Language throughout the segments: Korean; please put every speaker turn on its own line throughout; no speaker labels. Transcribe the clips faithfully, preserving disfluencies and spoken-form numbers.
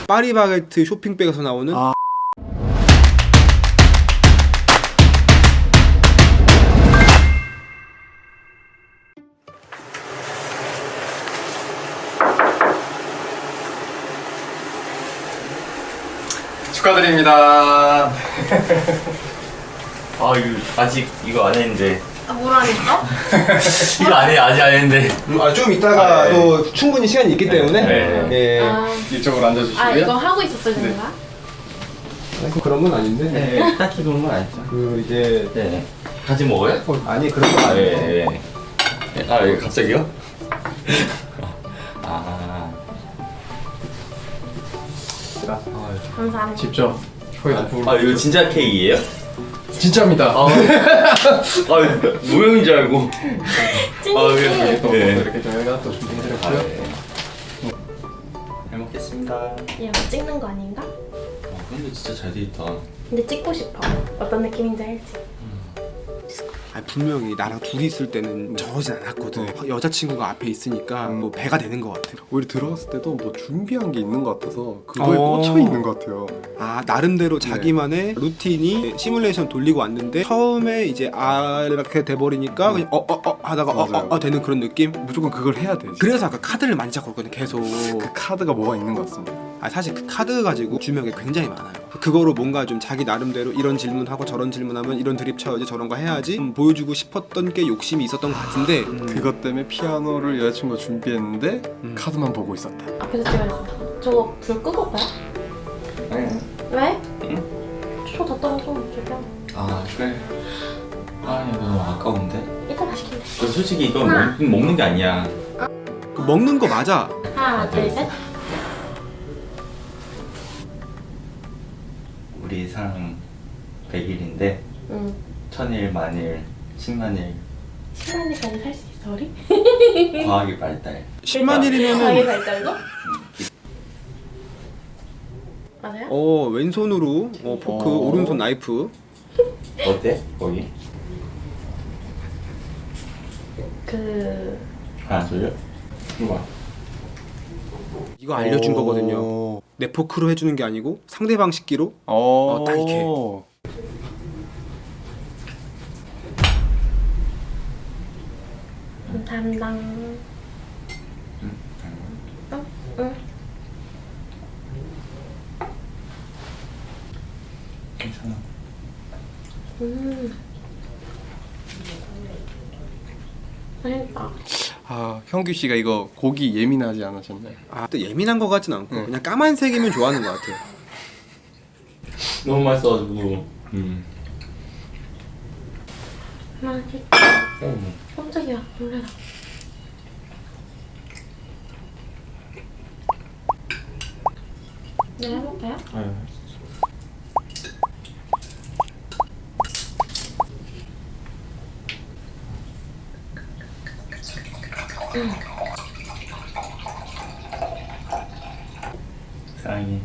파리바게트 쇼핑백에서 나오는 아.
축하드립니다. 아 이거 아직 이거 안 했는데.
아, 뭘 안 했어?
이거 안 해, 아직 안 했는데.
아, 좀 이따가
아, 네.
또 충분히 시간이 있기 때문에
네.
예.
아,
이쪽으로 앉아주시고요.
아 이거 하고 있었어야 되는 거야?
그 그런 건 아닌데.
네, 딱히 그런 건 아니죠.
그 이제
네. 같이 먹어요?
어, 아니 그런 건
아,
아니에요.
예, 예. 아, 예, 갑자기요? 아.
감사합니다.
직접 효에
아, 이거 진짜 케이크예요?
진짜입니다.
아, 아 모형인 줄 알고.
찐이지?
아, 예.
또
네.
이렇게 저희가 또
아,
준비해드렸고요.
예. 잘 먹겠습니다.
얘 뭐 찍는 거 아닌가?
아, 근데 진짜 잘 돼 있다.
근데 찍고 싶어. 어떤 느낌인지 알지?
아, 분명히 나랑 둘이 있을 때는 저러진 않았거든. 여자친구가 앞에 있으니까 뭐 배가 되는 것 같아.
오히려 들어갔을 때도 뭐 준비한 게 있는 것 같아서 그거에
어.
꽂혀 있는 것 같아요.
아, 나름대로 자기만의 루틴이 시뮬레이션 돌리고 왔는데 처음에 이제 아 이렇게 돼버리니까 그냥 어어어 어, 어 하다가 어어 어, 어 되는 그런 느낌?
무조건 그걸 해야 되지.
그래서 아까 카드를 만지작거렸거든 계속.
그 카드가 뭐가 있는 것 같습니다.
아, 사실 그 카드 가지고 주명이 굉장히 많아요. 그거로 뭔가 좀 자기 나름대로 이런 질문하고 저런 질문하면 이런 드립 쳐야지 저런 거 해야지 좀 보여주고 싶었던 게 욕심이 있었던 것 같은데 음.
그것 때문에 피아노를 여자친구가 준비했는데
음.
카드만 보고 있었다.
앞에서 찍어야겠다. 저거 불 끄고 봐요?
네.
왜?
응?
저다 떨어져. 저기야.
아, 그래. 아, 이거 너무 아까운데?
이따 시키면 돼.
그 솔직히 이거 먹, 먹는 게 아니야.
그 먹는 거 맞아.
하나, 둘, 셋.
우리 사랑 백 일인데
응.
천일, 만일, 십만일
십만일까지 살 수 있어, 우리?
과학의 발달.
십만
가게
일이면은
발달도? 맞아요?
어 왼손으로 어, 포크
어.
오른손 나이프.
어때? 거기?
그...
하나, 둘, 이거 봐.
이거 알려준
오.
거거든요. 내 포크로 해주는 게 아니고 상대방 식기로.
어,
딱 이렇게.
담당...
응?
응? 응.
괜찮아.
음. 맛있다.
아, 형규 씨가 이거 고기 예민하지 않으셨나요?
아, 또 예민한 거 같진 않고
응.
그냥 까만색이면 좋아하는 것 같아요.
너무 맛있어가지고. 음.
맛있다.
어.
깜짝이야, 놀래라. 내가 해볼까요?
아유.
응.
사랑해.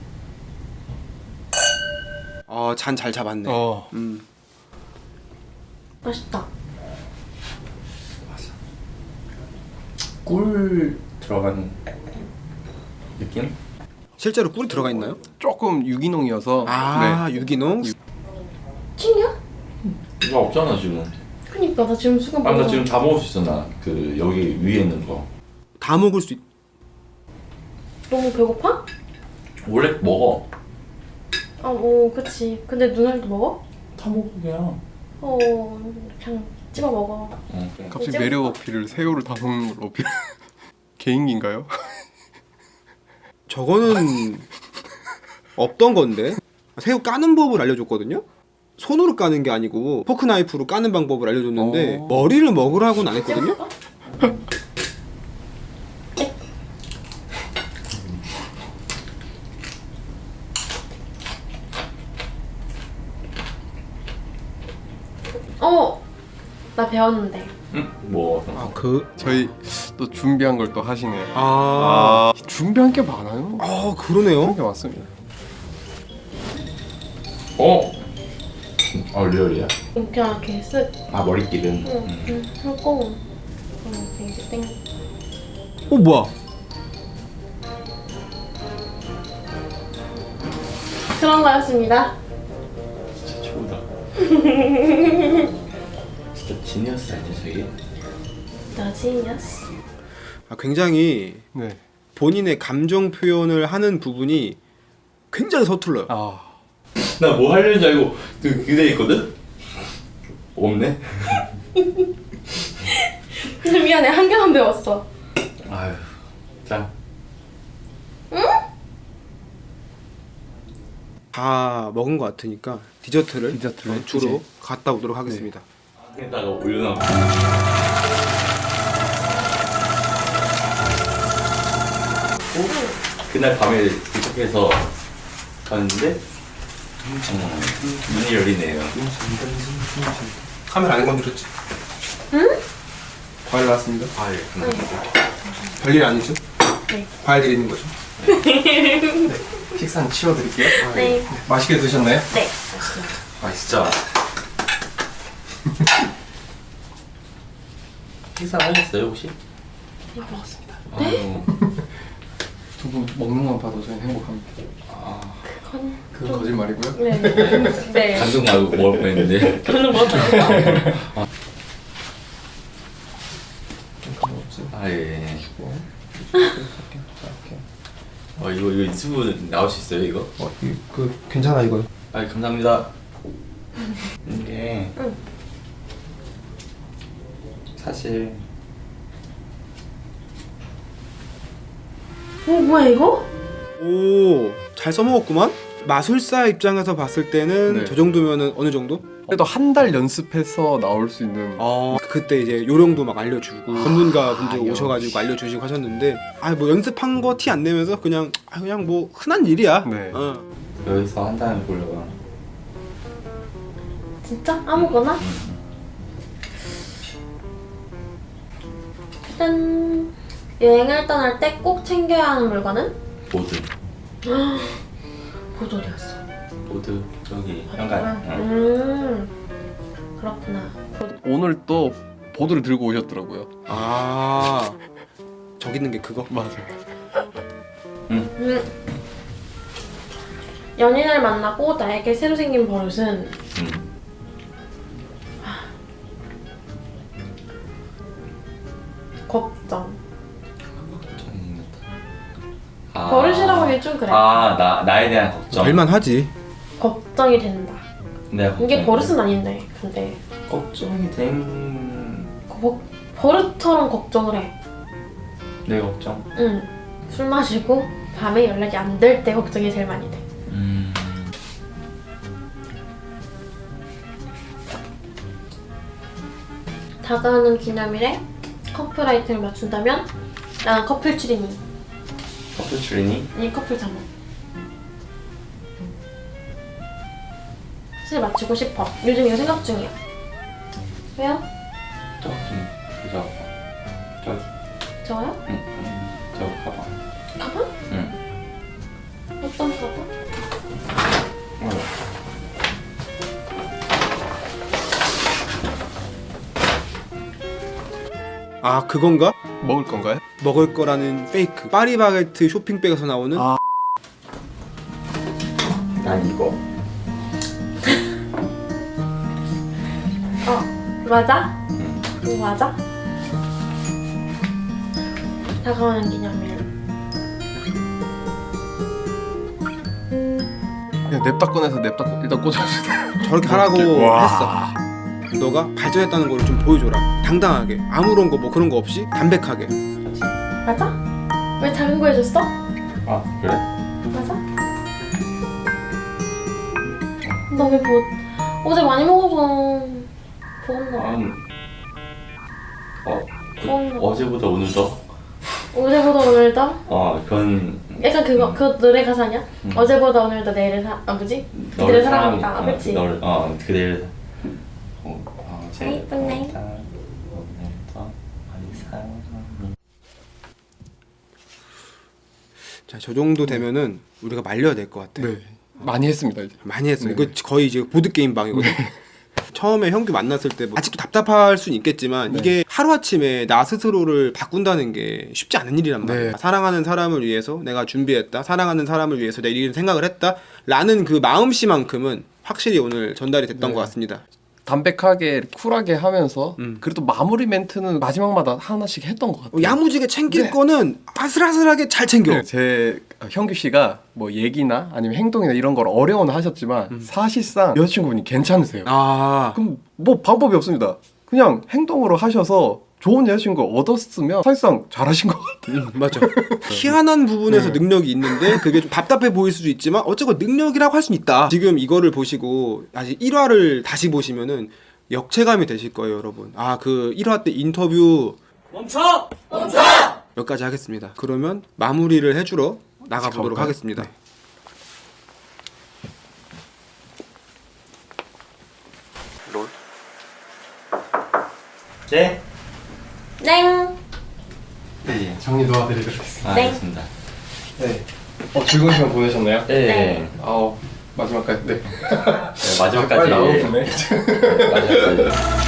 어, 잔 잘 잡았네.
어.
음.
맛있다.
꿀 들어간 느낌?
실제로 꿀이 들어가 있나요?
조금 유기농이어서
아,
네.
유기농.
튀냐?
이거 없잖아 지금.
그니까 나 지금 순간
아, 나
보고
지금 다 먹을 수 있어 나. 그 여기 위에 있는 거.
다 먹을 수 있.
너무 배고파?
원래 먹어.
아, 오, 그치. 근데 누나도 먹어?
다 먹어 그냥.
어, 그냥 집어 먹어.
어, 그래.
갑자기
이제
매력 어필을 새우를 다 먹는 걸 어필. 개인기인가요?
저거는 없던 건데. 새우 까는 법을 알려줬거든요. 손으로 까는 게 아니고 포크 나이프로 까는 방법을 알려줬는데
어.
머리를 먹으라고는 안 했거든요.
어! 나 배웠는데.
응? 뭐?
아, 그.
저희 또 준비한 걸 또 하시네요.
아.
아, 준비한 게 많아요.
아, 그러네요.
게 많습니다.
어? 어 리얼이야?
그냥 이렇게 쓱.
아 머리끼는.
응,
음.
응, 하고. 이렇게 이제 땡.
어, 뭐야?
그런 거였습니다.
진짜 최고다. 진짜 지니어스 아니야 저기?
너 지니어스.
아, 굉장히
네.
본인의 감정 표현을 하는 부분이 굉장히 서툴러요.
아
나 뭐 하려는 줄 알고 그 그대 있거든? 없네?
미안해, 한 개만 배웠어.
아유 자
다 먹은 것 같으니까 디저트를
디저트를
어, 주로
이제.
갔다 오도록 하겠습니다.
여기다가 올려놔. 그날 밤에 도착해서 갔는데 음, 문이 열리네요.
카메라 안 건드렸지?
응?
과일 나왔습니다.
아 예.
별일 아니죠?
네.
과일 드리는 거죠.
식사는 치워드릴게요.
네.
맛있게 드셨나요?
네.
아 진짜. 식사 하셨어요 혹시?
네, 먹었습니다.
아유,
두 분 먹는 건 봐도 저희 행복합니다.
그건
그건 거짓말이고요.
네. 네.
감동 말고 먹을 뻔했는데.
저는 먹었어요.
아 예. 어 이거 이거 유튜브 나올 수 있어요 이거?
어, 이, 그 괜찮아 이거.
아 감사합니다. 이게
응.
사실
어, 뭐야 이거?
오, 잘 써먹었구만. 마술사 입장에서 봤을 때는
네.
저 정도면은 어느 정도?
그래도 한 달 연습해서 나올 수 있는.
어, 그때 이제 요령도 막 알려주고 전문가 분들
역시.
오셔가지고 알려주시고 하셨는데, 아 뭐 연습한 거 티 안 내면서 그냥 아 그냥 뭐 흔한 일이야.
네.
어.
여기서 한 단을 보려고.
진짜? 아무거나? 짠. 여행을 떠날 때 꼭 챙겨야 하는 물건은?
보드.
보드 어디 갔어?
보드 저기 현관. 응.
음. 그렇구나. 보드.
오늘 또 보드를 들고 오셨더라고요.
아 저기 있는 게 그거?
맞아요.
음. 연인을 만나고 나에게 새로 생긴 버릇은
응.
걱정.
아.
버릇이라고 하기 좀 그래.
아나 나에 대한 걱정.
말만 하지.
걱정이 된다.
내가
이게
걱정이
버릇은 아닌데, 근데
걱정이 된.
그 버, 버릇처럼 걱정을 해.
내 걱정.
응. 술 마시고 밤에 연락이 안 될 때 걱정이 제일 많이 돼.
음.
다가오는 기념일에 커플 아이템을 맞춘다면 나는 커플 추리닝.
커플 추리니?
아니 커플 잠옷. 사실 맞추고 싶어. 요즘 이거 생각 중이야. 왜요?
저좀 그저 저기.
저요?
응. 응. 저 가방.
가방?
응.
어떤 가방?
어.
아 그건가?
먹을 건가요?
먹을 거라는 페이크. 파리바게트 쇼핑백에서 나오는
아.
난 이거.
어 맞아?
응.
이거 맞아? 다가오는 기념일.
그냥 냅다 꺼내서 냅다 꺼, 일단 꽂아주세요.
저렇게 하라고
와.
했어. 너가 발전했다는 걸 좀 보여줘라. 당당하게 아무런 거 뭐 그런 거 없이 담백하게.
맞아? 왜 작은 거 해줬어?
아 그래?
맞아? 너 왜 뭐 어제 많이 먹어서 그런가 봐.
아. 어. 그,
어.
어제보다 오늘 더.
어제보다 오늘 더?
어 그건
약간 그거 그 노래 가사냐?
음.
어제보다 오늘 더 내일을 사.. 아 뭐지? 그들을 사랑한다. 아, 그치?
널, 어 그대를. 어, 어제
예쁘네.
오늘도 많이 사랑합니다.
자, 저 정도 되면은 우리가 말려야 될 것 같아.
네. 많이 했습니다 이제.
많이 했어.
네.
이거 거의 이제 보드 게임 방이거든. 처음에 형규 만났을 때뭐 아직도 답답할 수는 있겠지만
네.
이게 하루아침에 나 스스로를 바꾼다는 게 쉽지 않은 일이란 말이야.
네.
사랑하는 사람을 위해서 내가 준비했다, 사랑하는 사람을 위해서 내가 이런 생각을 했다 라는 그 마음씨만큼은 확실히 오늘 전달이 됐던
네.
것 같습니다.
담백하게 쿨하게 하면서
음.
그래도 마무리 멘트는 마지막마다 하나씩 했던 것 같아요.
야무지게 챙길
네.
거는 아슬아슬하게 잘 챙겨.
네, 제 형규 씨가 뭐 얘기나 아니면 행동이나 이런 걸 어려워는 하셨지만 사실상 여자친구분이 괜찮으세요.
아
그럼 뭐 방법이 없습니다. 그냥 행동으로 하셔서 좋은 여자친구 얻었으면 사실상 잘하신 것 같아요.
음, 맞아. 희한한 부분에서
네.
능력이 있는데 그게 좀 답답해 보일 수도 있지만 어쨌건 능력이라고 할 수는 있다. 지금 이거를 보시고 다시 일 화를 다시 보시면은 역체감이 되실 거예요, 여러분. 아, 그 일 화 때 인터뷰 멈춰! 멈춰! 여기까지 하겠습니다. 그러면 마무리를 해주러 나가보도록
가볼까요?
하겠습니다. 롤.
네.
땡.
네, 정리 도와드리도록 하겠습니다.
아,
네.
알겠습니다.
네. 어, 즐거운 시간 보내셨나요?
네.
네.
아우 마지막까지. 네.
네, 마지막까지.
빨리 나오겠네.
네, 마지막까지.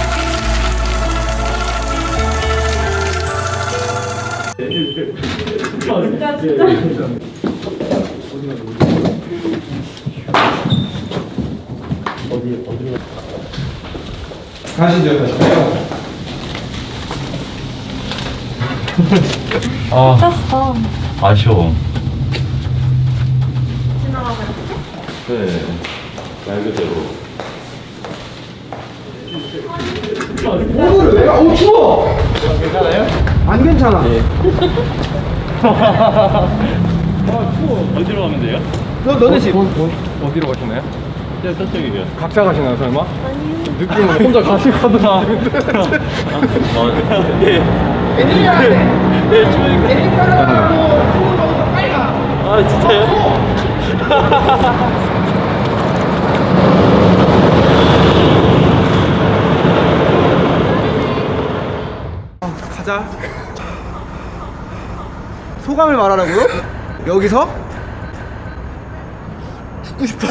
가시죠, 가시죠.
아,
쳤어.
아쉬워.
지나가면
네. 말 그대로.
오늘은 왜? 어우 추워. 괜찮아요? 안 괜찮아.
어디로 가면 돼요?
너 너네 집.
어디로 가시나요?
저, 저쪽이요.
각자 가시나요 설마?
아니요.
느낌은 혼자 가시거든요.
어, 네.
웬일이야?
네, 저희가.
빨리 가.
아, 진짜요?
가자. 소감을 말하라고요? 여기서? 죽고 싶어.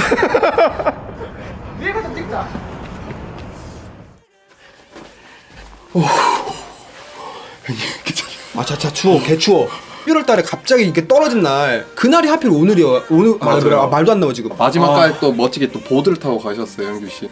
위에 가서 찍자. 아, 자차 추워, 개 추워. 일월 달에 갑자기 이렇게 떨어진 날, 그날이 하필 오늘이야. 오늘 아,
맞아요.
그래, 아, 말도 안 나와 지금.
마지막까지 또 멋지게 또 보드를 타고 가셨어요, 형규 씨.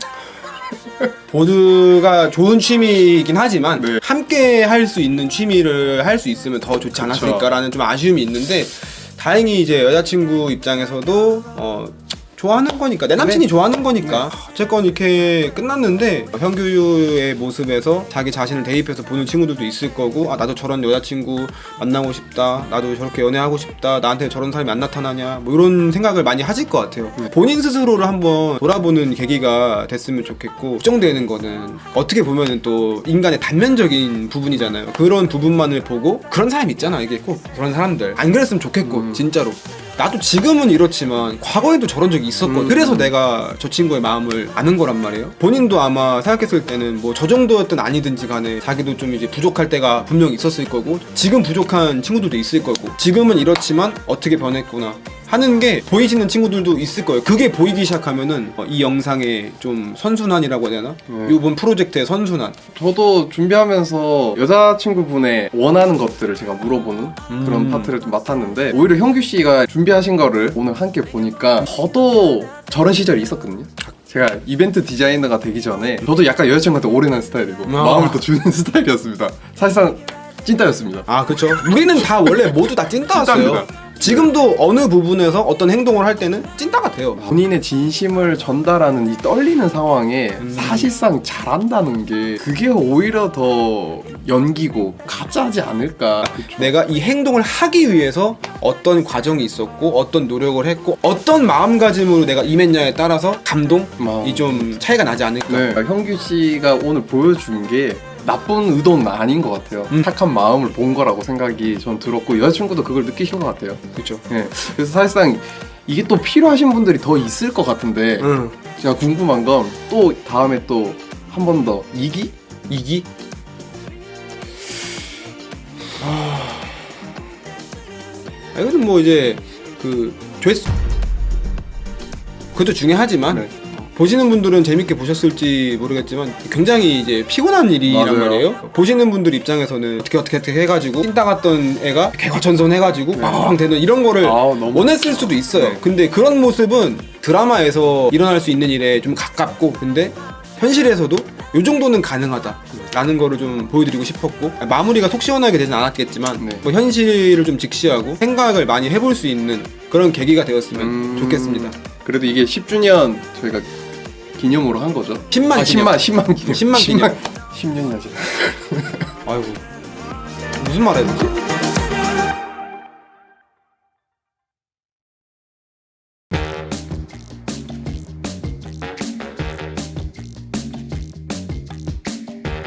보드가 좋은 취미이긴 하지만
네.
함께 할 수 있는 취미를 할 수 있으면 더 좋지 않았을까라는 좀 아쉬움이 있는데 다행히 이제 여자친구 입장에서도 어 좋아하는 거니까 내 남친이
네.
좋아하는 거니까 어쨌건 이렇게 끝났는데 형규의 모습에서 자기 자신을 대입해서 보는 친구들도 있을 거고 아 나도 저런 여자친구 만나고 싶다 나도 저렇게 연애하고 싶다 나한테 저런 사람이 안 나타나냐 뭐 이런 생각을 많이 하실 것 같아요. 본인 스스로를 한번 돌아보는 계기가 됐으면 좋겠고 걱정되는 거는 어떻게 보면은 또 인간의 단면적인 부분이잖아요. 그런 부분만을 보고 그런 사람 있잖아 이게 꼭 그런 사람들 안 그랬으면 좋겠고
음.
진짜로 나도 지금은 이렇지만 과거에도 저런 적이 있었거든.
음.
그래서 내가 저 친구의 마음을 아는 거란 말이에요. 본인도 아마 생각했을 때는 뭐 저 정도였든 아니든지 간에 자기도 좀 이제 부족할 때가 분명히 있었을 거고 지금 부족한 친구들도 있을 거고 지금은 이렇지만 어떻게 변했구나 하는 게 보이시는 친구들도 있을 거예요. 그게 보이기 시작하면은 어, 이 영상의 좀 선순환이라고 해야 되나?
네.
이번 프로젝트의 선순환.
저도 준비하면서 여자친구분의 원하는 것들을 제가 물어보는 그런
음.
파트를 좀 맡았는데 오히려 형규 씨가 준비하신 거를 오늘 함께 보니까 저도 저런 시절이 있었거든요. 제가 이벤트 디자이너가 되기 전에 저도 약간 여자친구한테 올인한 스타일이고
아.
마음을 또 주는 스타일이었습니다. 사실상 찐따였습니다.
아 그쵸. 우리는 다 원래 모두 다 찐따였어요.
찐따입니다.
지금도 어느 부분에서 어떤 행동을 할 때는 찐따가 돼요.
본인의 진심을 전달하는 이 떨리는 상황에
음.
사실상 잘한다는 게 그게 오히려 더 연기고 가짜지 않을까.
내가 이 행동을 하기 위해서 어떤 과정이 있었고 어떤 노력을 했고 어떤 마음가짐으로 내가 임했냐에 따라서 감동이
아.
좀 차이가 나지 않을까.
네. 형규 씨가 오늘 보여준 게 나쁜 의도는 아닌 것 같아요.
음.
착한 마음을 본 거라고 생각이 전 들었고 여자친구도 그걸 느끼신 것 같아요.
그렇죠.
네. 그래서 사실상 이게 또 필요하신 분들이 더 있을 것 같은데
응.
제가 궁금한 건 또 다음에 또 한 번 더 이 기?
이기? 아, 이거는 뭐 이제 그 조회수 그것도 중요하지만
네.
보시는 분들은 재밌게 보셨을지 모르겠지만 굉장히 이제 피곤한 일이란
맞아요.
말이에요. 보시는 분들 입장에서는 어떻게 어떻게 어떻게 해가지고 찐따 같던 애가 개과천선해가지고 빵빵 되는 이런 거를
네. 아, 너무-
원했을 수도 있어요.
네.
근데 그런 모습은 드라마에서 일어날 수 있는 일에 좀 가깝고 근데 현실에서도 이 정도는 가능하다라는 거를 좀 보여드리고 싶었고 마무리가 속 시원하게 되진 않았겠지만
네.
뭐 현실을 좀 직시하고 생각을 많이 해볼 수 있는 그런 계기가 되었으면
음,
좋겠습니다.
그래도 이게 십 주년 저희가 기념으로 한 거죠.
십만
아,
기념.
십만 십만 기념.
십만 기념.
십 년이나 지났.
아이고 무슨 말 해야 되지?